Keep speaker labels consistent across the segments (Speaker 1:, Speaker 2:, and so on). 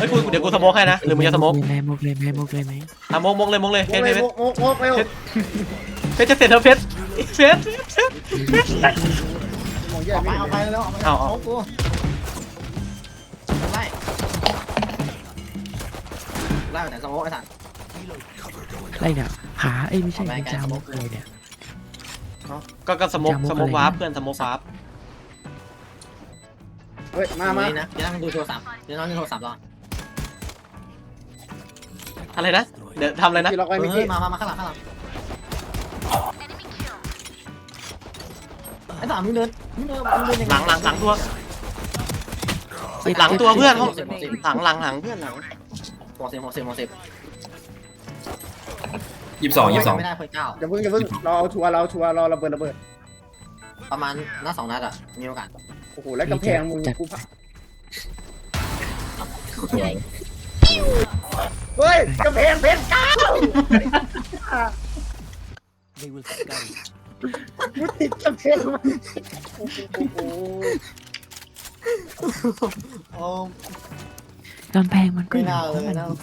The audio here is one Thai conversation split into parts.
Speaker 1: ฮ้ยเดี๋ยวกูสโมกให้นะหรือมึงจะสโมก
Speaker 2: เลยไหมมกเลยไหมมกเลยไหม
Speaker 1: อ่ะมกเลยเพชร
Speaker 3: โมกเร็ว
Speaker 1: เพชรจะเสร็จแล้วเพชร
Speaker 3: มองแย่
Speaker 4: เอาไป
Speaker 3: ไม่
Speaker 4: แล้ว
Speaker 1: เอา
Speaker 4: กูไล่ไล่แต่สมองไอ้สัตว์
Speaker 2: ไรเนี่ยหาไม่ใช่จามกเลยเนี่ย
Speaker 1: ก็สโมกวาร์ปเพื่อนสโมกวาร์ป
Speaker 3: เฮ้ยมา
Speaker 4: นี่นะเดี๋ยวนั่งดูโทรศัพท์เดี๋ยวนั่งดูโทรศัพท์รอ
Speaker 1: อะไรนะเดี๋ยวทำอะไรนะ
Speaker 3: ที่ล็อกไว้มิก
Speaker 4: เฮ้ย
Speaker 3: กี้
Speaker 4: มาข้างหลังไอ้สามมึงเดินยังไง
Speaker 1: หลังตัวหลังตัวเพื่อนหลังเพื่อนหลัง
Speaker 4: หัวเสีย
Speaker 5: 22
Speaker 4: ไม่ได้เพิ่งเก้า
Speaker 3: อย่าเพิ่งรอชัวร์รอระเบิด
Speaker 4: ประมาณนัด2 นัดอ่ะมีโอกาส
Speaker 3: โอ้โหแล้วกำแพงมึงกูพักเฮ้ยกำแพงเพชรเก้ามุดติดกำแพงมันโอ้โห
Speaker 4: โอ้
Speaker 2: กำแพงมันก็
Speaker 4: ไม่น่าเลย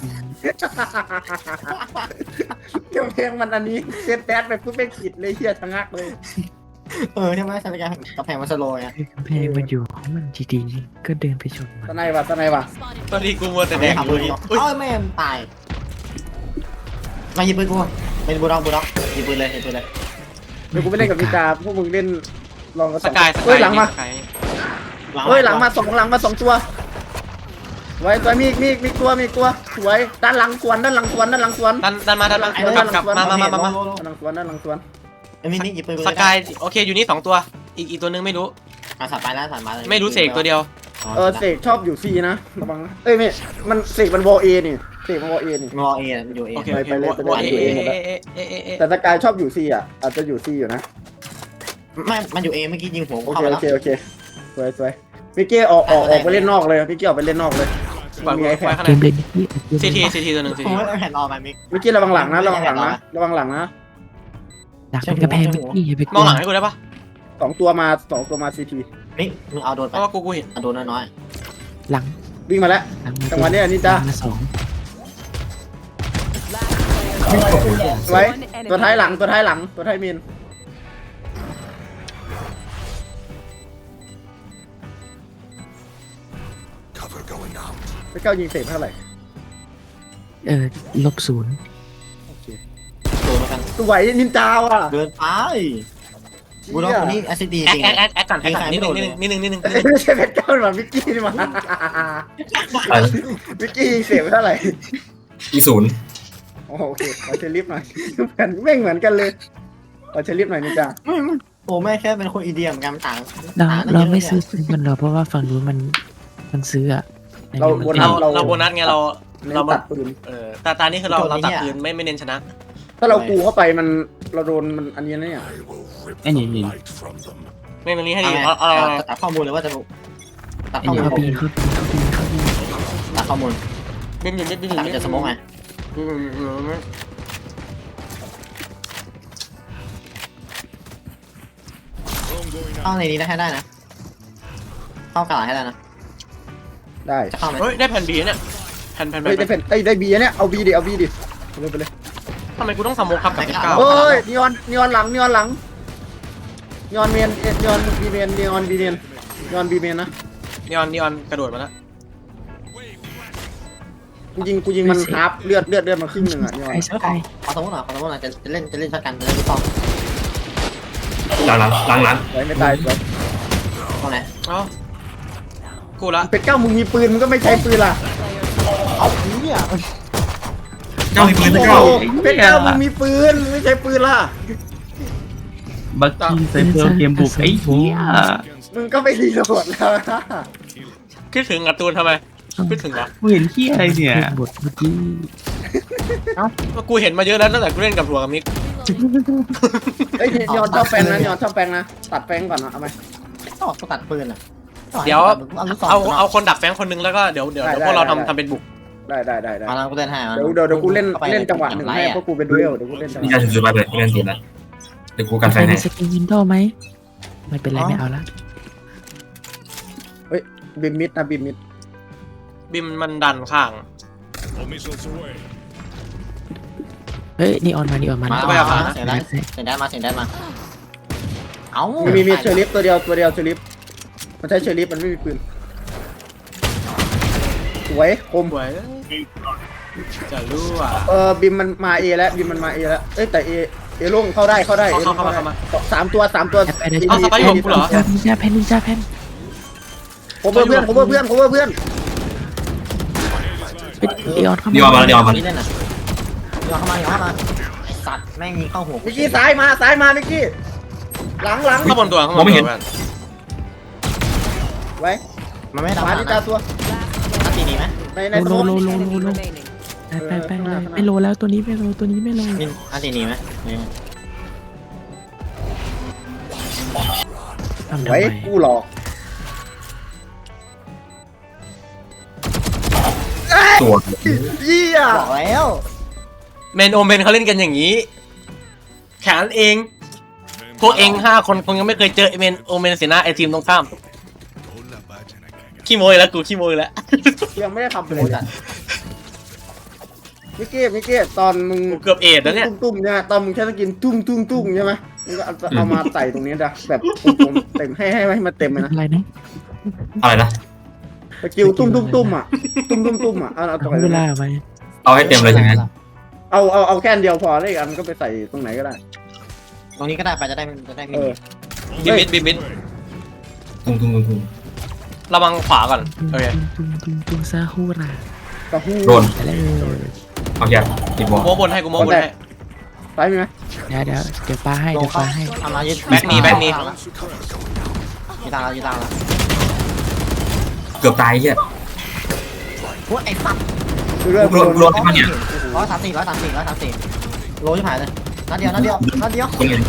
Speaker 3: กำแพงมันอันนี้เซตแดดไปปุ๊บเป็นขีดเลยเฮียทะงักเลย
Speaker 4: ใช่ไหมใช่ไหมกระแพงมันสโลว์อ่ะ
Speaker 2: กำแพงมันอยู่ของมันดีๆก็เดินไปชนมัน
Speaker 3: ตะไนวะ
Speaker 1: ตอนนี้กูมัวแต่แดก
Speaker 4: ทำเลยเอ้ยแม่ตายมายิงปืนกูเป็นบูด็อกยิงปืนเลย
Speaker 3: เดี๋ยวกูไปเล่นกับนิจาพวกมึงเล่นลองกัน
Speaker 1: สกาย
Speaker 3: เฮ้ยหลังมาเฮ้ยหลังมาสองตัวไว้ตัวมีตัวสวยด้านหลังสวน
Speaker 1: ดันมากลับมา
Speaker 3: ด้านหลังสวน
Speaker 4: ไอ้มินิยิงปืน
Speaker 1: สกายโอเคอยู่นี่2ตัวอีกตัวนึงไม่รู้
Speaker 4: สัตว์ไปแล้วสัตว์มาเลย
Speaker 1: ไม่รู้เสกตัวเดียว
Speaker 3: เสกชอบอยู่ซีนะระวังนะเอ้ยไม่มันเสกมันวอเอนี่เสกมันวอเอนี่
Speaker 4: งอเออยู่เอ
Speaker 1: โอเค
Speaker 3: ไปเล่น
Speaker 1: เอ
Speaker 3: แต่สกายชอบอยู่ซีอ่ะอาจจะอยู่ซีอยู่นะ
Speaker 4: ไม่มันอยู่เอเมื่อกี้ยิงหัว
Speaker 3: โอ
Speaker 4: เข้า
Speaker 3: เค
Speaker 4: ไป
Speaker 3: โอ
Speaker 4: แล้ว
Speaker 3: เคสวยมิกกี้ออกไปเล่นนอกเลยมิกกี้ออกไปเล่นนอกเลย
Speaker 1: ปล่อย
Speaker 3: มีไอแพ
Speaker 1: ไว้
Speaker 3: ด
Speaker 1: ข้าง
Speaker 2: เก
Speaker 1: ใน
Speaker 2: มเล่นนี่
Speaker 1: ซีทีตัวหนึ่ง
Speaker 4: ผมไม่แผ่นออกมามิก
Speaker 3: มิกกี้ระวังหลังนะระวังหลังนะ
Speaker 2: หลังเป็นกำแพงนี่อย่าไป
Speaker 1: มองหลังให้กูได้ปะ
Speaker 3: สองตัวมาซีที
Speaker 4: มิกมึงเอาโดน
Speaker 1: เพ
Speaker 4: ไป
Speaker 1: ราะว่ากูเห็น
Speaker 4: เอาโดนน้อย
Speaker 2: หลัง
Speaker 3: วิ่งมาแล้วจังหวะนี้นี่จ้า
Speaker 2: มาสอง
Speaker 3: ไว้ตัวท้ายหลังตัวท้ายมินไปเก้ายิงเสร็จเท่าไหร่
Speaker 2: -0
Speaker 4: ๆโดนเหมือนกัน
Speaker 3: สวยนินจาว่ะ
Speaker 4: เดินไปบูด็อกคนนี้แอซิดีจริง
Speaker 1: แอดก่อนนิดนึง
Speaker 3: ไม่ใช่เพชรเก้าหรอมิกกี้นี่มามิกกี้ยิงเสร็จเท่าไหร่ โอเคขอเชลิฟหน่อยไม่เหมือนกันเลยขอเชลิฟหน่อยนินจา
Speaker 4: โอ้แม่แค่เป็นคนอินเดียเหมือนกันต่าง
Speaker 2: เราไม่ซื้อมันหรอกเพราะว่าฝั่งนู้นมันซื้ออะ
Speaker 1: เราโบนัสไงเรา
Speaker 3: ตัดปืน
Speaker 1: ตานี้คือเราตัดปืนไม่เน้นชนะ
Speaker 3: ถ้าเรากูเข้าไปมันเราโดนมันอันนี้นะเนี่ย
Speaker 5: ไอ้นี่
Speaker 1: ไม่มันนี้ให้ดี
Speaker 4: ตัดข้อมูลเลยว่าจะตัดข้อมูล
Speaker 2: เขาปีน
Speaker 4: ตัดข้อมูล
Speaker 1: บินอยู่
Speaker 4: ตัดจะสมองไงเข้าในนี้ได้ให้ได้นะเข้ากระดาษให้ได้นะ
Speaker 3: ได้
Speaker 4: จะเข้าไหม
Speaker 1: เฮ้ยได้แผ่นบีเนี่ยแผ่น
Speaker 3: เฮ้ยได้เป็นได้บีเนี่ยเอาบีดิไปเลย
Speaker 1: ทำไมกูต้องสโมกครับกับเก้า
Speaker 3: เฮ้ยนีออนหลังนีออนเมนนีออนบีเมนนะ
Speaker 1: นีออนกระโดดมาแล้ว
Speaker 3: กูยิงมันฮาร์ปเลือดมาครึ่งหนึ่งอ่ะนีออน
Speaker 2: ไอ้สกาย
Speaker 4: ขอสมมติหน่อยจะเล่นชักกันจะเล่นลูกซอง
Speaker 5: หลัง
Speaker 3: ไว้ไม่ตายสวย
Speaker 4: ตรงไหน
Speaker 1: เอ้ากูละ
Speaker 3: เป็ดเก้ามึงมีปืนมึงก็ไม่ใช้ปืนล่ะ
Speaker 4: เอาเนี่ย
Speaker 5: เก้ามีปืน
Speaker 3: โอ้
Speaker 5: เก้า
Speaker 3: โหเป็ดเก้ามึงมีปืนมึงไม่ใช้ปืนล่ะ
Speaker 5: บักกี้ไซเฟอร์เกมบุกไอ้เหี้ย
Speaker 3: มึงก็ไม่รีโหลดแล้วนะ
Speaker 1: คิดถึงการ์ตูนทำไมคิดถึงเหรอ
Speaker 5: กูเห็นเหี้ยอะไรเนี่ย
Speaker 2: บทเมื่อกี้
Speaker 1: กูเห็นมาเยอะแล้วตั้งแต่กูเล่นกับถั่วกับมิก
Speaker 3: เฮ้ยนีออนชอบแปลงนะตัดแปลงก่อนนะเอาไหม
Speaker 4: ต้องตัดปืนอ่ะ
Speaker 1: เดี๋ยวเอาคนดักแฟงคนนึงแล้วก็เดี๋ยวพวกเราทำเป็นบุก
Speaker 3: ได้
Speaker 4: มาแล้วกูเล่นให้
Speaker 3: เดี๋ยวกูเล่นจังหวะหนึ่งให้เพราะกูเป็นดูเอลเดี๋ยวกูเล่นจังห
Speaker 5: นี่
Speaker 3: วะ
Speaker 5: ยาสุดๆไปเลยเล่นตีนนะเดี๋ยวกูกันไฟ
Speaker 2: ใคร
Speaker 5: ให้
Speaker 2: มีสกินวินโดว์ไหมไม่เป็นไรไม่เอาละ
Speaker 3: บิมมิดนะบิมมิด
Speaker 1: บิมมันดันข้าง
Speaker 2: เฮ้ยนีออนมานีออนมา
Speaker 4: มา
Speaker 1: ไปเอาขา
Speaker 4: เสียงได้เสียงได้มาเสียงได้มาเอ้า
Speaker 3: มีเชอริฟตัวเดียวเชอริฟมันใช้เชอริฟมันไม่มีปืนสวยคม
Speaker 1: สวยจะรู้อ่ะ
Speaker 3: บิมมันมาเอแล้วบิมมันมาเอแล้วเอ้ยแต่เอลงเข้าได้เข้าได้
Speaker 1: เข้ามา
Speaker 3: สามตัว
Speaker 2: ไปได้
Speaker 1: เอาสไปร์อยู่กับกูเหรอ
Speaker 2: นินจาแพนนินจาแพน
Speaker 3: โคเวอร์เพื่อน
Speaker 2: นีออนเข้า
Speaker 5: ดีออกมา
Speaker 2: มา
Speaker 5: ดีออกมา
Speaker 4: นี่เล่นน่ะเดี๋ยวเข้ามาไอ้สัตว์แม่งยิงเข้าหัว
Speaker 3: มิกกี้ซ้ายมามิกกี้หลัง
Speaker 1: ข้างบนตัวข้างบนตัว
Speaker 3: ไว้
Speaker 4: มันไม่
Speaker 3: ข
Speaker 4: ทำ
Speaker 3: วา
Speaker 4: นะ
Speaker 3: ที่ตาตัว
Speaker 4: ตัดตีหนีไหม
Speaker 3: ในส
Speaker 2: โล
Speaker 3: มอง
Speaker 2: โลไปไม่โลแล้วตัวนี้ไม่โลตัวนี้ไม่โล
Speaker 4: มินตัดตีหนีไหม
Speaker 2: ทำทำ
Speaker 3: ไว้
Speaker 2: ไม
Speaker 3: กูหลอก
Speaker 5: ตัว
Speaker 3: เยี่ย
Speaker 4: บอกแล้ว
Speaker 1: เมนโอเมนเขาเล่นกันอย่างนี้แขนเองพวกเอง5 คนคงยังไม่เคยเจอเมนโอเมนเสียหน้าไอทีมตรงข้ามขี้โมยแล้วกูขี้โมยแล้ว
Speaker 3: ยังไม่ได้ทำเลยมิกกี้ตอนมึง
Speaker 1: กูเกือบเอดแล้วเนี่ย
Speaker 3: ตุ้มเนี่ยตอนมึงแค่สกินตุ้มใช่ไหมมึงก็เอามาใส่ตรงนี้นะแบบเต็มให้มันเต็มเลยนะ
Speaker 2: อะไรนะ
Speaker 5: อะไรนะ
Speaker 3: สกิลตุ้มอ่ะตุ้มอ่ะเอาตรงไหน
Speaker 2: เวลาไป
Speaker 5: เอาให้เต็มเลยใช่ไหม
Speaker 3: เอาแค่เดียวพอเลยอันก็ไปใส่ตรงไหนก็ได้
Speaker 4: ตรงนี้ก็ได้ไปจะได้ไม่
Speaker 1: บิมิด
Speaker 5: ตุ้ม
Speaker 1: ระวังขวาก่อนโอเค
Speaker 2: ตุ้มซาฮูราก
Speaker 3: ระหู้
Speaker 5: โดน
Speaker 2: ไปเลย
Speaker 5: เอาแค่ติดบอล
Speaker 1: โมบนให้กูโมบนให้
Speaker 3: ซ้ายมีไหม
Speaker 2: เดี๋ยวปลาให้
Speaker 4: ล
Speaker 2: เดี๋
Speaker 4: ง
Speaker 2: ยวป
Speaker 4: เข้า
Speaker 2: ลาให้
Speaker 4: ทำมายึด
Speaker 1: แบ็คมี
Speaker 4: ยีตังแล้ว
Speaker 5: เกือบตายเหี้ย
Speaker 4: พวกไอ้สัตว์
Speaker 3: คือเรื่อง
Speaker 5: รวมที่มันเนี่ย
Speaker 4: 134โลชิบหายเลยนัดเดียว
Speaker 5: คนเงิน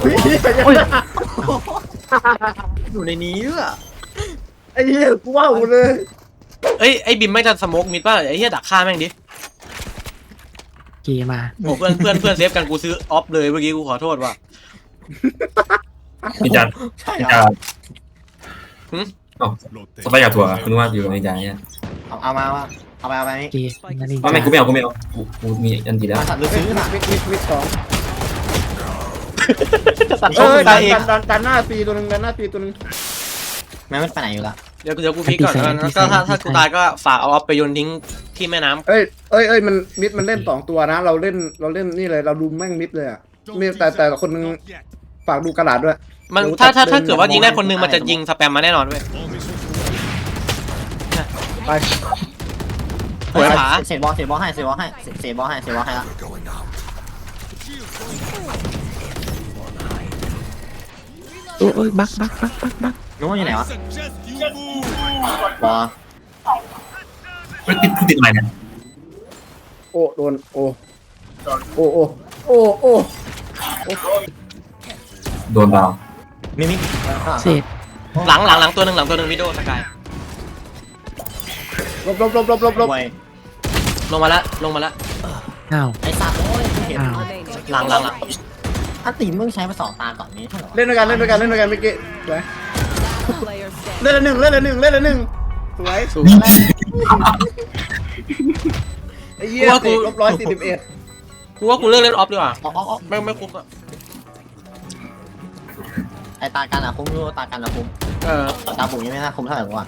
Speaker 4: อยู่ในนี้อ่ะ
Speaker 3: ไอ้เหี้ยกูว้าวเลย
Speaker 1: เอ้ยไอ้บิมไม่จะสโมกมิดป่ะไอ้เหี้ยดักฆ่าแม่งดิ
Speaker 2: เกมา
Speaker 1: โอ้เพื่อนเซฟกันกูซื้อออฟเลยเมื่อกี้กูขอโทษว่ะ
Speaker 5: นินจา
Speaker 4: ใช่
Speaker 5: นิน
Speaker 4: เหร
Speaker 5: จา
Speaker 4: อ
Speaker 5: อ๋อสไปร์กับถั่วคุณว่าอยู่นินจาเนี่ย
Speaker 4: เอามาว่าเอาไปนี่
Speaker 2: เกนั่นเอง
Speaker 5: ว่าไม่กูไม่เอากูมีอันดีแล้ว
Speaker 4: มาสัตว์หรือซื้อน่ะ
Speaker 3: มิดสอง
Speaker 1: ตัดช่องกูตายเอง
Speaker 3: ดันหน้าตีตัวนึง
Speaker 4: แม่ไม่ไปไหนอยู่ละ
Speaker 1: เดี๋ยวกูพลิกก่อนแล้วก็ถ้ากูตายก็ฝากเอาออฟไปโยนทิ้งที่แม่น้ำ
Speaker 3: เอ้ยมันมิดมันเล่น2ตัวนะเราเล่นนี่เลยเราดูแม่งมิดเลยอ่ะมีแต่คนนึงฝากดูกระดาษด้วย
Speaker 1: มันถ้าเกิดว่ายิงได้คนนึงมันจะยิงสแปมมาแน่นอนเว้ย
Speaker 3: ไป
Speaker 1: หัวผา
Speaker 4: เสียบอลให้ละ
Speaker 2: โอ้ยบัก
Speaker 4: นู้นอยู่ไหนวะบอล
Speaker 5: ไม่ติดอะไรเนี่ย
Speaker 3: โอ้โดนโอ้
Speaker 5: โดนดาว
Speaker 4: มิมิ
Speaker 2: เศษ
Speaker 1: หลังตัวหนึ่งวิดีโอสกาย
Speaker 3: ลบ
Speaker 4: บวย
Speaker 1: ลงมาแล้ว
Speaker 2: อ้าว
Speaker 4: ไอ้สัตว์โอ้ยเห็น
Speaker 2: อ้าว
Speaker 1: หลัง
Speaker 4: ถ้าตีมึงใช้มา2 ตาก่อนนี้เท่าไหร่
Speaker 3: เล่นด้วยกันเมื่อกี้สวยเล่นละหนึ่งสวยไอ้เหี้ยลบ141
Speaker 1: กูว่ากูเลิกเล่นออฟดีกว่า
Speaker 4: อ๋อ
Speaker 1: ไม่คุ้มอ่ะ
Speaker 4: ไอ้ตากันอะคุ้มรู้ตากันอะคุ้ม ตาบุ๋มยังไม่น่าคุ้มเท่าไหร่หรอกว่ะ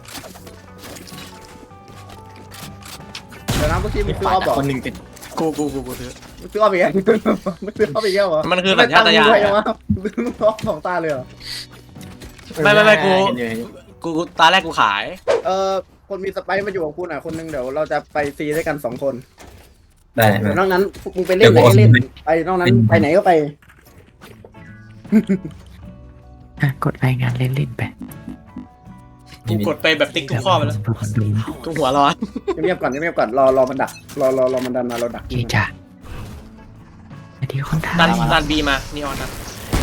Speaker 3: เดี๋ยวนะเมื่อกี้มึงซื้อออฟบอก
Speaker 4: คนหนึ่งติด
Speaker 1: กูซื้อ
Speaker 3: มึงซื้อออฟอีกแล้วมึงซื้อออฟอีกแล้วเหรอ
Speaker 1: มันคือสัญชาตญาณ
Speaker 3: ไม่วะซื้อออฟ2 ตาเลยเหรอ
Speaker 1: ไม่กูตาแรกกูขาย
Speaker 3: คนมีสไปซ์มาอยู่กับคุณอ่ะคนนึงเดี๋ยวเราจะไปซีด้วยกัน2 คน
Speaker 5: ได้ไหม
Speaker 3: นอกนั้นมึงไปเล่นไหนก็เล่นไปนอกนั้นไปไหนก็ไป
Speaker 2: กดรายงานเล่นไป
Speaker 1: กูกดไปแบบติ๊กทุกข้อไปแล้วทุกหัวร้อน
Speaker 3: เงียบก่อนรอมันดักรอมันดันมาเราดัก
Speaker 2: เกจ่าไอ้ที่คนไทย
Speaker 1: ดันบีมานีออนดัน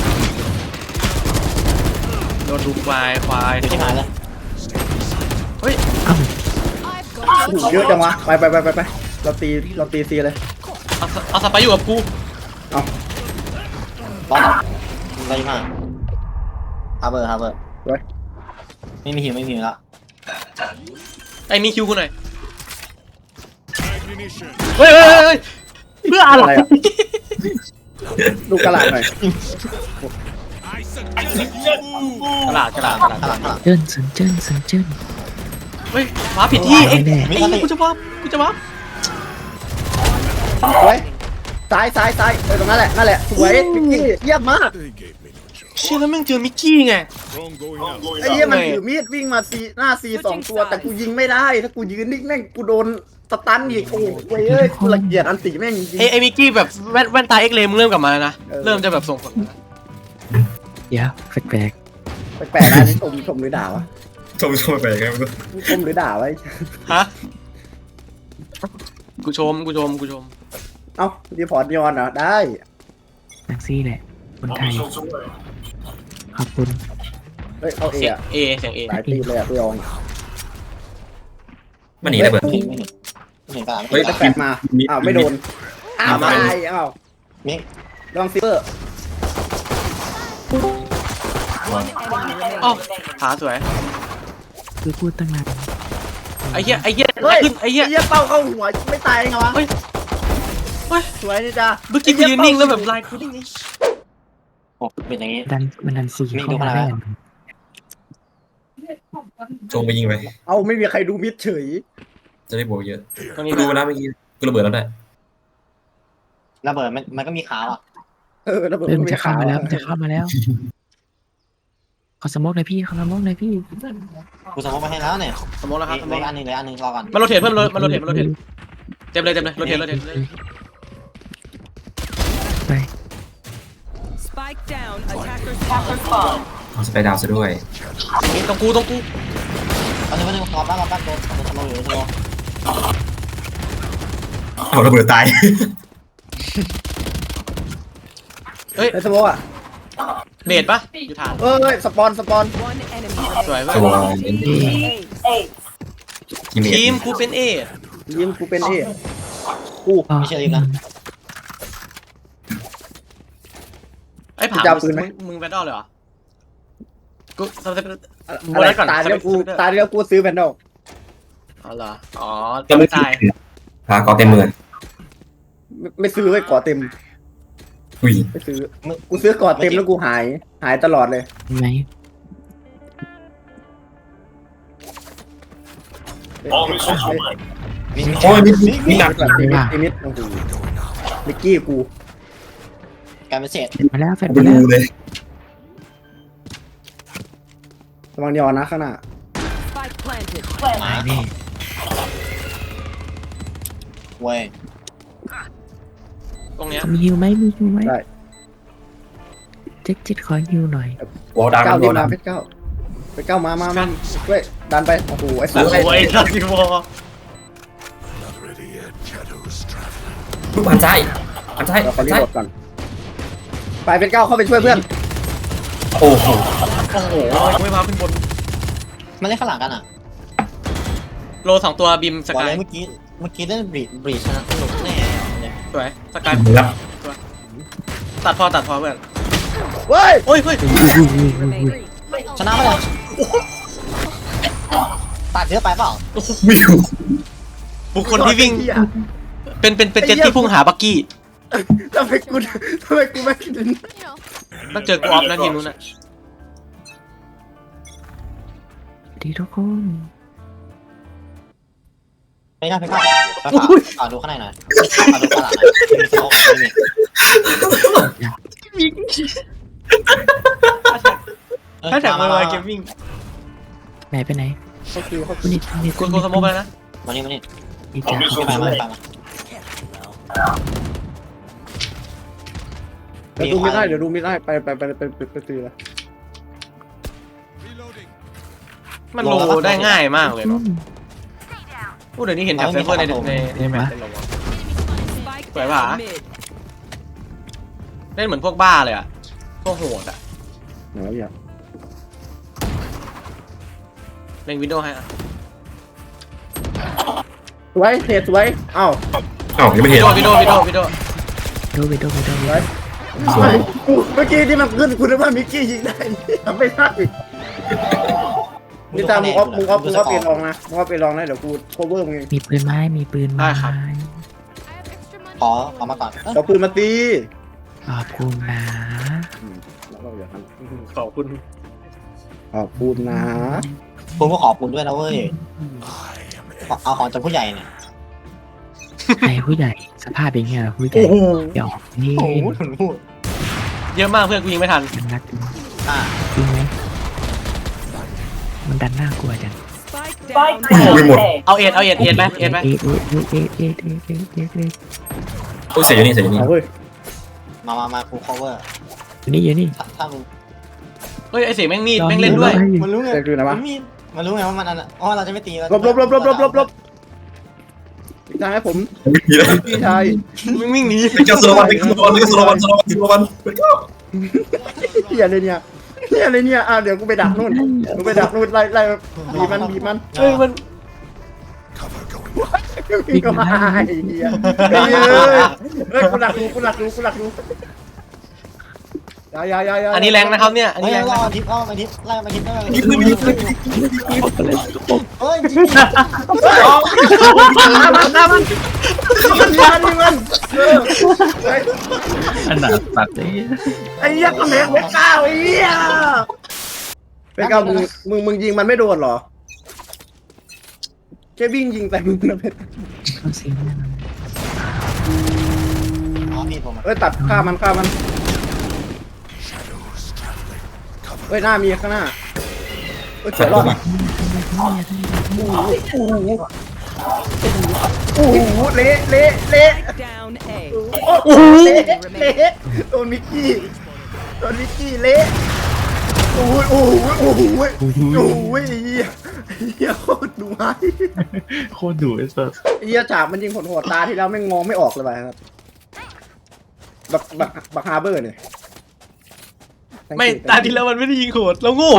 Speaker 1: โดนดูควาย
Speaker 4: ที่หายแล้ว
Speaker 1: เฮ้ย
Speaker 2: อ้าว
Speaker 3: เยอะจังวะไปเราตีซีเลย
Speaker 1: เอาสไปอยู่กับกู
Speaker 4: บอลอะไรมาฮาเบอร์
Speaker 3: ไว้
Speaker 4: ไม่มีหิวแล้ว
Speaker 1: ไอ้มีคิวกูหน่อยเฮ้ยเฮ้ยเฮ้ยเพื่ออะไร
Speaker 3: อะไรอ่ะดูกระดาษหน่อย
Speaker 1: กระดาษ
Speaker 4: ข้างหลัง
Speaker 2: เจิ้นสันเจิ้นสันเจิ้น
Speaker 1: เฮ้ยว้าผิดที่เอ้ย
Speaker 2: แน่
Speaker 1: ไอ้กูจะว้า
Speaker 3: สวยซ้ายตรงนั้นแหละสวยมิกกี้เยี่ยมมาก
Speaker 1: เชื่อแล้วแม่งเจอมิกกี้ไง
Speaker 3: ไอ้เยี่ยมันถือมีดวิ่งมาหน้าซี2ตัวแต่กูยิงไม่ได้ถ้ากูยืนนิ่งแม่งกูโดนสตันอีกโอ้โหเว้ยกูละเกียดอันติแม่งจริง
Speaker 1: ไอ้มิกกี้แบบแว่นตาเอ็กเลมงเริ่มกลับมาแล้วนะเริ่มจะแบบส่งผล
Speaker 2: เดี๋ยวแปลก
Speaker 3: แปลกๆนะนี่ชมหรือด่าวะ
Speaker 5: ชมไปครับ
Speaker 3: ชมหรือด่าวะ
Speaker 1: ฮะกูชม
Speaker 3: เอ้ารีพอร์ตยอนเหรอได้
Speaker 2: ๆนักซี่แหละคนไทยขอบคุณ
Speaker 3: เฮ้ยเอาเอ
Speaker 1: เสียง
Speaker 3: อะ
Speaker 1: เอเสียงเอ
Speaker 3: หลายตีเลยอะพี่ยอง
Speaker 5: มันหนีระเบิด
Speaker 4: ไม่เห็นกระดาษ
Speaker 5: เฮ้ย
Speaker 3: จะแปลกมาอ้าวไม่โดนอ้าวตายอ้าว
Speaker 4: มิก
Speaker 3: ลองซิปเปอร์
Speaker 1: อ๋อขาสวย
Speaker 2: คือพูดตั้งนาน
Speaker 1: ไอ้เหี้ย
Speaker 3: เฮ้ย
Speaker 1: ขึ้นไอ้เหี้ย
Speaker 3: เป้าเข้าหัวไม่ตายไงวะ
Speaker 1: เฮ้ย
Speaker 3: สวยนี่จ้า
Speaker 1: เมื่อกี้กูยืนนิ่งแล้วแบบลายกูนิ่งนี่
Speaker 4: โอ้เป็นอย่างงี้
Speaker 2: มันดันสี่
Speaker 4: มี
Speaker 2: เข้า
Speaker 4: ดู
Speaker 2: มา
Speaker 4: ขนาด
Speaker 2: ได้
Speaker 4: นั้น
Speaker 5: ชงไปยิงไป
Speaker 3: เอาไม่มีใครดูมิดเฉย
Speaker 5: จะได้บวกเยอะ
Speaker 1: ตรง
Speaker 5: กู
Speaker 1: นี้
Speaker 5: ดูแล้วเมื่อกี้กูระเบิดแล้วได้
Speaker 4: ระเบิดมันก็มีขาวอ่ะ
Speaker 3: ระเบิด
Speaker 2: มันจะเข้ามาแล้วมันจะเข้ามาแล้วขอสมกหน่อยพี่ขอสมกหน่อยพี่
Speaker 4: กูสมมติมาให้แล้วเนี่ย
Speaker 1: สมมติแล้วครับสมม
Speaker 4: เหลื
Speaker 1: ติ
Speaker 4: ออันหนึ่งรอก่อน
Speaker 1: มาโรเทตเพื่อนมาโรเทตเต็มเลยโรเทตเลย
Speaker 2: ไป
Speaker 6: Spike down. Attackers spawn.
Speaker 5: เอาสไปดาวซะด้วย
Speaker 1: ตรงกู
Speaker 4: ตอนนี้รอแป๊บโดนสมมติอยู่ตัว
Speaker 5: เอาระเบิดตาย
Speaker 1: เฮ้ย
Speaker 3: ในสโมกอ่ะ
Speaker 1: เบดปะอยู่ฐาน
Speaker 3: เอ้ยสปอน
Speaker 6: One enemy
Speaker 1: สวย
Speaker 5: ตัว
Speaker 6: remaining.
Speaker 5: กิมเม
Speaker 1: ทีม
Speaker 5: จ
Speaker 1: กูเป็นเอ
Speaker 3: ยิงกูเป็นที่
Speaker 4: ไม่ใช่รีบนะ
Speaker 1: ไอ้ผามึงแบนดอลเลยเหรอกูทำ
Speaker 3: อะไรตายแล้วกูซื้อแบนดอก
Speaker 1: อ๋อเหรออ๋อ
Speaker 5: ก็ไม่
Speaker 1: ตาย
Speaker 5: พาก็เต็มเมือง
Speaker 3: ไม่ซื้อไว้ก่อเต็ม
Speaker 5: อุ้ย
Speaker 3: ไม่ซื้อกูซื้อก่อเต็มแล้วกูหายตลอดเลย
Speaker 2: เห็นไหม
Speaker 5: โอ้ยมีหนัก
Speaker 3: มิดโอ้โหมิกกี้กู
Speaker 4: การเป็นเศษ
Speaker 2: มาแล้วแฟน
Speaker 5: ไป
Speaker 2: มาแล้
Speaker 5: ดู
Speaker 2: ว
Speaker 5: เลย
Speaker 3: ระวังยอนนะข้างหน้า
Speaker 6: Spike planted.
Speaker 2: ตายแน่
Speaker 4: เว้ย
Speaker 1: ตรงเนี้ย
Speaker 2: มีฮิวไหมมีฮิวไหม
Speaker 3: ได้
Speaker 2: เจ็ดขอฮิวหน่อยว
Speaker 5: อลดัง
Speaker 3: เก้าว
Speaker 5: อ
Speaker 3: ดี
Speaker 5: ลดั
Speaker 3: มาง เพชรเก้าเพชรเก้ามาเว้ยดันไปโอ้โหไอ้สัตว์
Speaker 1: โอ้ยทักซิวอ
Speaker 5: ลูกหันซ้ายหันซ้าย
Speaker 3: เราขอ
Speaker 5: หัน
Speaker 3: รี
Speaker 5: ซ้าย
Speaker 3: บก่อนไปเพชรเก้าเข้าไปช่วยเพื่อน
Speaker 5: โอ้โห
Speaker 1: โอ้โหไม่มาขึ้นบน
Speaker 4: มันเล่นข้างหลังกันอ่ะ
Speaker 1: โล2ตัวบิมส
Speaker 4: บอก
Speaker 1: กา
Speaker 4: เลย ยเมื่อกี้เล่นบรีชนะสนุกแน่เนี่ย
Speaker 1: สวยสกาย
Speaker 5: รับ
Speaker 1: ตัดพอเพื่อน
Speaker 3: เว้ย
Speaker 1: โอ้ย
Speaker 6: Remaining.
Speaker 4: ชนะไปเลยตัดเยอะไปเปล่า
Speaker 5: ไม่อยู่
Speaker 1: บุคคลที่วิ่งเป็นเจ็ตที่พุ่งหาบักกี้
Speaker 3: ทำไมกูไม่คิดถึง
Speaker 1: ต้องเจอกูออฟนะทีมนู้นน่ะ
Speaker 2: ดีทุกคน
Speaker 4: ไม่ได้ไปก่อนฝากดูข้างในหน่อยฝากดูข้างหลังหน่อยมีสโมกมี
Speaker 1: ถ้าแท็กมาเกมวิ่ง
Speaker 2: ไหนไปไหน
Speaker 3: เขาคิวเขา
Speaker 2: คุณนี่คุณนี่
Speaker 1: กูสมมติไปแล้วนะ
Speaker 4: มานี่
Speaker 2: ดีจ้า
Speaker 4: ไปมา
Speaker 3: เดี๋ยวดูไม่ได้ไปตีละ
Speaker 1: มันโลได้ง่ายมากเลยเนาะพูดเดี๋ยวนี้เห็นแท็บไซเฟอร์ในแมปเป็นโล
Speaker 6: Spike
Speaker 1: Phải
Speaker 6: down
Speaker 1: hả?
Speaker 6: mid.
Speaker 1: เล่นเหมือนพวกบ้าเลยอ่ะพวกโหดอ่ะ
Speaker 3: ไหนวะเนี่ย
Speaker 1: เล่นวินโดว์ให้อ่ะ
Speaker 3: สวยเทสวยเอ้า
Speaker 5: อ้าวยังไม่เห็น
Speaker 1: วินโดว์
Speaker 2: โดไปโด
Speaker 5: สวย
Speaker 3: กูเมื่อกี้ที่มันขึ้นคุณนึกว่ามิกกี้ยิงได้ทำไม่ได้นี่ตามมึงก็เปลี่ยนลองนะมึงก็เปลี่ยนลองนะเดี๋ยวกู cover มึงเอง
Speaker 2: มีปืนไม้มีปืนไม้
Speaker 4: ขอมาก่อน
Speaker 3: เอาปืนมาตี
Speaker 2: ขอบคุณนะ
Speaker 3: แล้วก็อย่าท
Speaker 1: ขอบคุณ
Speaker 3: ำขอบคุณนะ
Speaker 4: คุณก็ขอบคุณด้วยนะเว้ยเอาของจากผู้ใหญ่เนี่ย
Speaker 2: ใครผู้ใหญ่สภาพเป็นไงล่ะผู้ใหญ่
Speaker 3: โอ้โห
Speaker 2: เดี๋ยวนี่
Speaker 4: โอ้โหถึงพูด
Speaker 1: เยอะมากเพื่อนกูยิงไม่ทัน
Speaker 2: มันรักจริง
Speaker 4: อ่า
Speaker 2: จริงไหมมันดันน่ากลัวจัง
Speaker 6: Spike down.
Speaker 7: ไม่หมด
Speaker 1: เอาเอ็ดไหมเอ็ดไหม
Speaker 2: เอ๊ะ
Speaker 7: โอ้ยเสียอยู่นี่เสียอยู่นี่
Speaker 3: เอาเว้ย
Speaker 4: มาฟูล cover
Speaker 2: อยู่นี่
Speaker 4: ถ้ามึง
Speaker 1: เฮ้ยไอเสียงแม่งมีดแม่งเล่นด้วย
Speaker 4: มันรู้ไง
Speaker 3: เด็กดูนะวะ
Speaker 4: มันรู้ไงว่ามันอันอ๋อเราจะไม่ตี
Speaker 3: ลบอีกทางให้ผม
Speaker 7: มีแล้ว
Speaker 3: พี่ชาย
Speaker 1: มึงวิ่งหนี
Speaker 7: เป็นเจ้าโซโลวันเป็นเจ้าโซโลวันเป็นเจ้าโซโลวันโซโลวันเป็นเจ้า
Speaker 3: เฮียเลยเนี่ยเดี๋ยวกูไปดักนู่นไล่บีมัน
Speaker 1: เฮ้ยมัน
Speaker 3: บีก็มาไอ้เฮียเฮ้ยกูหลักดูอย่า
Speaker 1: อันนี้แรงนะครับเนี่ยอัน
Speaker 4: เฮ้
Speaker 1: นี้
Speaker 4: ย
Speaker 1: แรง
Speaker 4: รอ
Speaker 1: นะครับ
Speaker 4: ทิปมาทิปไล่มาทิปได้ไหม
Speaker 7: ยิงเลยยิงเลย
Speaker 4: เฮ้ย
Speaker 3: มัน
Speaker 5: อันหนาตัดเลย
Speaker 3: ไอ้เหี้ยก็แหลกหัวก้าวไอ้เหี้ยเป็นก้าวมึงยิงมันไม่โดนเหรอแค่วิ่งยิงแต่มึงนะเพชร
Speaker 2: เขาเสียงแน่นอน
Speaker 4: อ๋อมีผม
Speaker 3: เอ้ยตัดฆ่ามันเฮ้ยหน้ามีข้างหน้าเฮ้ยเฉยรอดอ่ะโอ้โหเละ
Speaker 6: Spike down A.
Speaker 3: โอ้โหเละโดนมิกกี้เละโอ้โหเหี้ยโคตรดุร้าย
Speaker 5: โคตรดุไอ้สัส
Speaker 3: เหี้ยฉากมันยิงผลหัวตาที่แล้วไม่งมองไม่ออกเลยไปครับบักฮาร์เบอร์เนี่ย
Speaker 1: ไม่ตาที่แล้วมันไม่ได้ยิงโหดเราโง่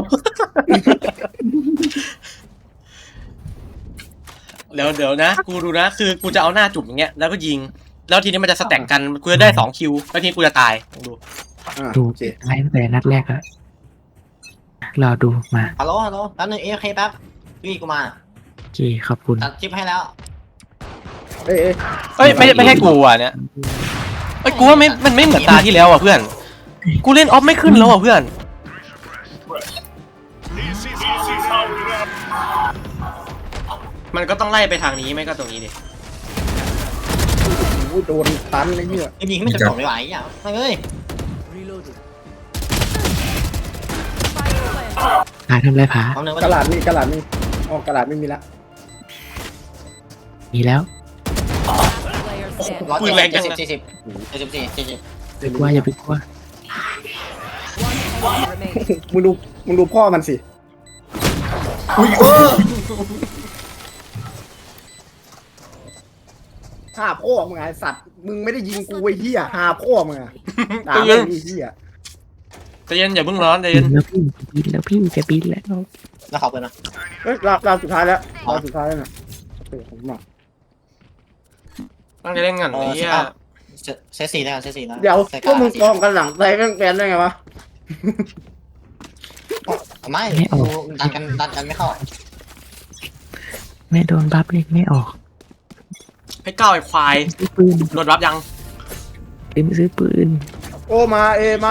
Speaker 1: เดี๋ยวนะกูดูนะคือกูจะเอาหน้าจุ่มอย่างเงี้ยแล้วก็ยิงแล้วทีนี้มันจะสแต็กกันกูจะได้2คิวแล้วทีนี้กูจะตายลองดู
Speaker 2: ดู
Speaker 3: โอเค
Speaker 2: ไล่ตั้งแต่นัดแรกแล้วรอดูมา
Speaker 4: ฮัลโหลแป๊บนึงโอเคแป๊บพี่กูมา
Speaker 2: โอเคขอบคุณ
Speaker 4: ตัดคลิปให้แล้ว
Speaker 3: เอ้ย
Speaker 1: เอ้ยไม่ใช่กูอ่ะเนี่ยเอ้ยกูว่ามันไม่เหมือนตาที่แล้วอ่ะเพื่อนกูเล่นออฟไม่ขึ้นแล้วอ่ะเพื่อนมันก็ต้องไล่ไปทางนี้ไม่ก็ตรงนี้ดิ
Speaker 3: โอ้โดนตันเลยเนี่ย
Speaker 4: ยิงไม่จบไม่ไหวอ่ะเฮ้ย
Speaker 6: Reloaded.
Speaker 2: ผาทำไรผา
Speaker 4: เอาเนื้อก
Speaker 3: ระดาษมีอ๋อกระดาษไม่มีละ
Speaker 2: มีแล้ว
Speaker 6: Player standing.
Speaker 1: ปืนแรงจังนะ
Speaker 4: 40
Speaker 2: ไปกลัวอย่าไปกลัว
Speaker 6: One enemy remaining.
Speaker 3: มึงดูพ่อมันสิหาพ่อมึงไอ้สัตว์มึงไม่ได้ยิงกูไอ้เหี้ยหาพ่อมึงอะด่าไม่มีเหี้ย
Speaker 1: ใจเย็นอย่าเพิ่งร้อนใจ
Speaker 2: บิ
Speaker 1: เย็น
Speaker 2: นแล้วพี่จะบินแล้ว
Speaker 4: แล้วขอบคุณนะ
Speaker 3: เฮ้ยราวสุดท้ายแล้วนะโอเคผมมา
Speaker 1: ตั้งใจเล่นกันไอ้เหี้ย
Speaker 4: เซต4แล้วเซต4แล้ว
Speaker 3: เดี๋ยวพวกมึงกองกันหลังใจแกนได้ไงวะ
Speaker 4: ไม่ดันกันไม่เข้า
Speaker 2: ไม่โดนบัฟเล็กไม่ออก
Speaker 1: ให้ก้าวไอ้ควาย
Speaker 2: ซื้อปืน
Speaker 1: โดนรับยัง
Speaker 2: ซื้อปืน
Speaker 3: โอ้มาเอ
Speaker 1: ถ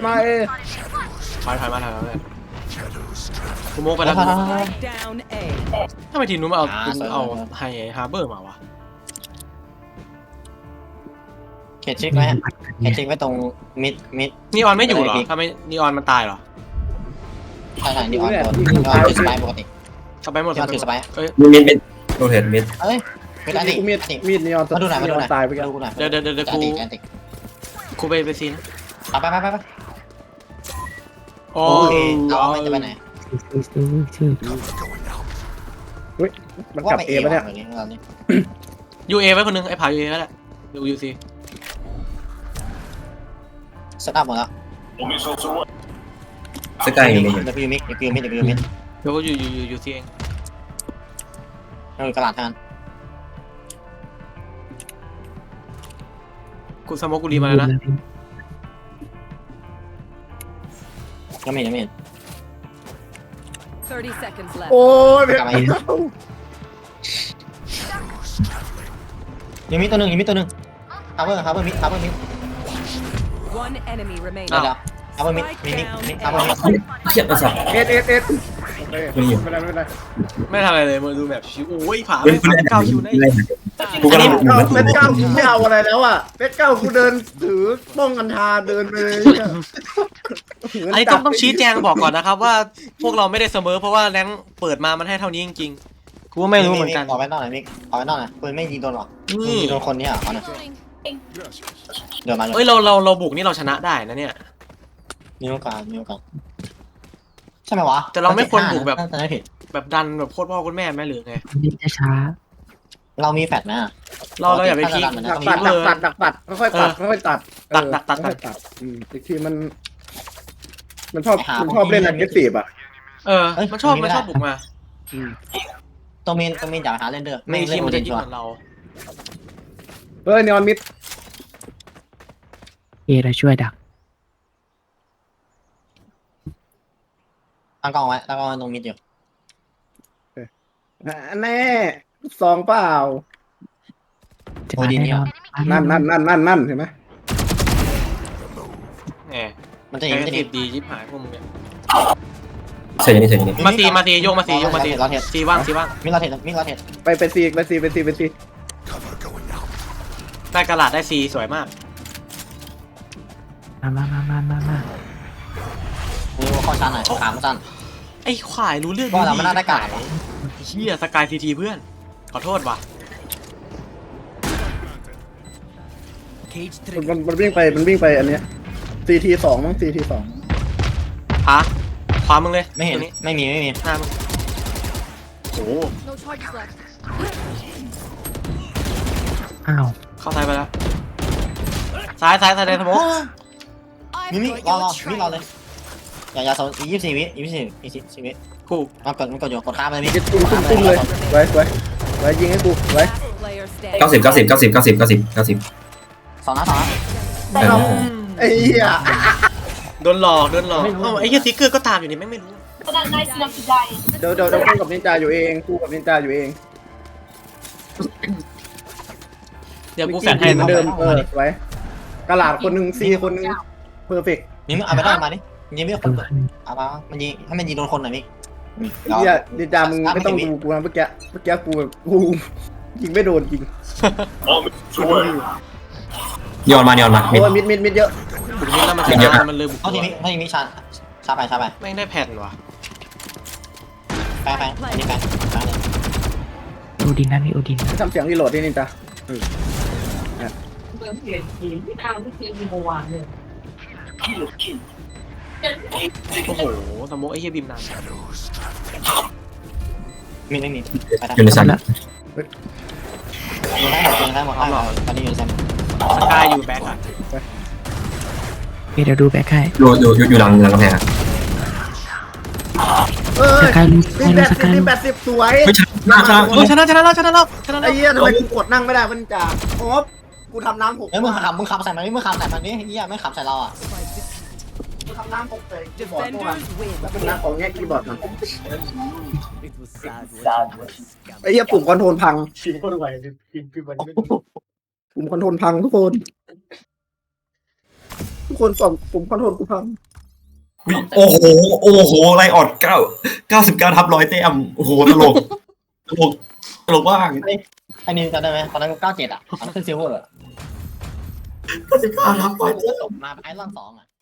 Speaker 1: อยมากูโมกไปแล้ว
Speaker 6: Spike down A.
Speaker 1: ทำไมทีมนู้นมาเอาไฮฮาร์เบอร์มาวะ
Speaker 4: เขตเช็คไว้เขตเช็คไว้ตรงมิด
Speaker 1: นีออนไม่อยู่เหรอทำไมนีออนมันตายเหรอ
Speaker 4: ใช่นี่ออนถือสไปปกติ
Speaker 1: กลับไปหมด
Speaker 4: ที่ออนถือสไป
Speaker 1: เอ้ย
Speaker 7: มิดโรเทตมิด
Speaker 4: เอ้ยไม่ได้ดิ
Speaker 3: กูมีดนีออน
Speaker 4: มาดูหน่อยมาดูหน่อย
Speaker 3: ตายไปกัน
Speaker 4: ดูหน่อย
Speaker 1: เดี๋ยวกูไปซีน
Speaker 4: ไป
Speaker 1: โอ้
Speaker 4: โอเคเอาไม่จะไปไหน
Speaker 2: ซื้อ
Speaker 3: มันกลับเอปะเนี่ย
Speaker 1: ยูเอไว้คนนึงไอ้ผายูเอแล้วแหละดูยูซี
Speaker 4: เซตอัพหมดแล้ว
Speaker 7: สกายอยู่นี่
Speaker 4: เดี๋ยวมิด
Speaker 1: เดี๋ยวก็ยูซีเอง
Speaker 4: กระดาษแทน
Speaker 1: กูสโมกกูรีมาแล้วนะ
Speaker 4: ยังไม่เห็น
Speaker 6: 30 seconds left.
Speaker 3: โอ้ยเพชรเก้า
Speaker 4: ยังมีตัวหนึ่งฮาร์เบอร์มิด
Speaker 6: One enemy remaining.
Speaker 4: เดี๋ยวฮาร์เบอร์มิดมิดฮาร์เบอร์มิด
Speaker 7: เขียนภาษา
Speaker 3: เอ็ดโอเคไม่เป็นไรไม่เป็นไร
Speaker 1: ไม่ทำอะไรเลยมาดูแบบชิวโอ้ยผา
Speaker 7: เฮ้ย
Speaker 1: ไม่ผาเก้าคิวได้
Speaker 7: กูกำลัง
Speaker 3: เพชรเก้ากูไม่เอาอะไรแล้วอ่ะเพชรเก้ากูเดินถือป้องกันทาเดินไปเลยเนี่ย
Speaker 1: อันนี้ต้องชี้แจงบอกก่อนนะครับว่าพวกเราไม่ได้เสมอเพราะว่าแรงเปิดมามันให้เท่านี้จริงๆกูก็ไม่รู้เหมือนกัน
Speaker 4: ออกไปนอกหน่อยมิกออกไปนอกหน่อยปืนไม่ยิงโดนหรอก
Speaker 1: นี่
Speaker 4: ยิงโดนคนนี้อ่ะเอาหน่อยเดี๋ยวมา
Speaker 1: เอ้ยเราบุกนี่เราชนะได้นะเนี่ย
Speaker 4: มีโอกาสใช่ไหมวะ
Speaker 1: แต่เราไม่ควรบุกแบบ
Speaker 4: แต่ไม่ผิด
Speaker 1: แบบดันแบบโคตรพ่อโคตรแม่ไหมหรือไง
Speaker 2: นิดช้า
Speaker 4: เรามีแฟลชไหมอะ
Speaker 1: เราอย่าไปพีค
Speaker 3: ดัก
Speaker 1: พี
Speaker 3: ปั
Speaker 1: ค
Speaker 3: ด
Speaker 1: เลย
Speaker 3: ดักปัดค่อยๆตัดค่อยๆตัด
Speaker 1: ตัด
Speaker 3: ค่อยๆตัดอีกทีมันชอบเล่นอันเกสีบอ่ะ
Speaker 1: มันชอบบุกมา
Speaker 4: ตัวเมนอยากหาเล่นเด้อ
Speaker 1: ไม่
Speaker 4: ไม่
Speaker 1: คิ
Speaker 4: เล่
Speaker 1: ด
Speaker 4: น
Speaker 1: มัน
Speaker 4: โอ
Speaker 1: จะ
Speaker 4: ดิน
Speaker 1: ยึด
Speaker 4: ชัว
Speaker 1: เหมือนเรา
Speaker 3: เฮ้ยนีออนมิด
Speaker 2: เอเราช่วยดัก
Speaker 4: ตั้งกล้องไว้ตั้งกล้องไว้ตรงมิดอยู่
Speaker 3: แน่ซองเปล่า
Speaker 2: จะมาแน่นอน
Speaker 3: นั่นเห็นไหม
Speaker 1: แหม
Speaker 4: มันจะ
Speaker 1: ไอ้
Speaker 4: เห็นมันจะ
Speaker 1: ดี
Speaker 4: เห็น
Speaker 1: ดียิบหายพวกมึงเนี่ย
Speaker 7: เสียนี่
Speaker 1: มาตีโยกมาตีซีว่าง
Speaker 4: มิดเราเห็น
Speaker 3: ไปซี
Speaker 1: ได้กระดาษได้ซีสวยมาก
Speaker 2: มา
Speaker 4: นี่ว่าข้อชันหน่อยขามันสั้น
Speaker 1: ไอ้ขวายรู้เรื่อง
Speaker 4: ว่าเราไม่น่าได้กาด
Speaker 1: เฮียสกายทีเพื่อนขอโทษว่ะ
Speaker 3: มันวิ่งไปอันเนี้ย CT 2มั้ง CT 2
Speaker 1: ฮะขวามึงเลย
Speaker 4: ไม่เห็น
Speaker 1: ตรงนี้
Speaker 4: ไม่มี
Speaker 1: หน้ามึงโอ้
Speaker 6: No charges left.
Speaker 2: อ้าว
Speaker 1: เข้าซ้ายไปแล้วซ้ายในสมอง
Speaker 6: I've
Speaker 4: มิ
Speaker 6: got
Speaker 4: รอ
Speaker 6: your
Speaker 4: มิรอ
Speaker 6: trail.
Speaker 4: เลยอย่าโซน24 วิ24 วิ
Speaker 1: กู
Speaker 4: มันกดอยู่กดข้ามเลยมิ
Speaker 3: จะตุ้มเลยไว้ยิงให้กูไว้
Speaker 6: Last player standing.
Speaker 7: 90
Speaker 4: สองนัด
Speaker 3: ไอ้เหี้ย
Speaker 1: โดนหลอกเอ้าไอ้เฮียซิกเกอร์ก็ตามอยู่นี่แม่งไม่รู้
Speaker 3: เดี๋ยวคู่กับนินจาอยู่เอง
Speaker 1: เดี๋ยวกูแฟนให้
Speaker 3: เหมือนเดิมไว้กระหลาดคนหนึ่งซีคนหนึ่งเพอร์เฟกต์
Speaker 4: มิเอาไปได้มาดิยิงไม่คน
Speaker 2: เปิด
Speaker 4: เอามามันยิงให้มันยิงโดนคนหน่อยมิ
Speaker 3: เหี้ยนินจามึงไม่ต้องดูกูนะเมื่อกี้กูแบบกูยิงไม่โดนจริง
Speaker 7: ย้อนมา
Speaker 3: โอ้ยมิดเยอะ
Speaker 1: บุกนี้แล้วมันชนะมันเลยบุก
Speaker 4: เอาทีนี้ชาไป
Speaker 1: แม่งได้แผ่นว่ะ
Speaker 4: แปนี่แปเลย
Speaker 2: โอดินนั่นนี่โอดิน
Speaker 3: ทำเสียงรีโหลดดินินจา
Speaker 1: โอ้โหสมมติไอ้เฮียบิมนาน
Speaker 4: ไม่มี
Speaker 7: อยู่ในชั้น
Speaker 4: ยิงได้หมดตอนนี้อยู่ในแซม
Speaker 1: สกายอยู่แบ็คอะ
Speaker 2: เดี๋ยวดูแบ็คให้
Speaker 7: อยู่หลังกำแพง
Speaker 2: สกายรู้
Speaker 3: ตี80สวย
Speaker 7: ไม่ชนะ
Speaker 1: ชนะแล้ว
Speaker 3: ไอ้เหี้ยทำไมกูกดนั่งไม่ได้มันจ่าโอ๊บกูทำน้ำหก
Speaker 4: เฮ้ยมึงขับใส่มันนี่เฮียไม่ขับใส่เราอ่ะ
Speaker 3: กูทำน้ำหกใส่คีย์บอร์ดตัว
Speaker 6: Defenders win.
Speaker 3: แล้วเป็นน้ำของแง่คีย์บอร์ดมันไอ้เหี้ยปุ่มคอนโทรลพังปุ่มคอนโทรลพังทุกคนส่งปุ่มคอนโทรลกูพัง
Speaker 7: โอ้โหไลออด99ทับ100แต้มโอ้โหตลกว่าง
Speaker 4: ไอ้นี่จำได้ไหมตอนนั้นกู97อ่ะตอนนั้นขึ้นซิลเวอร์
Speaker 7: 99ทับ100
Speaker 4: ตกมาไอรอน2อ่ะ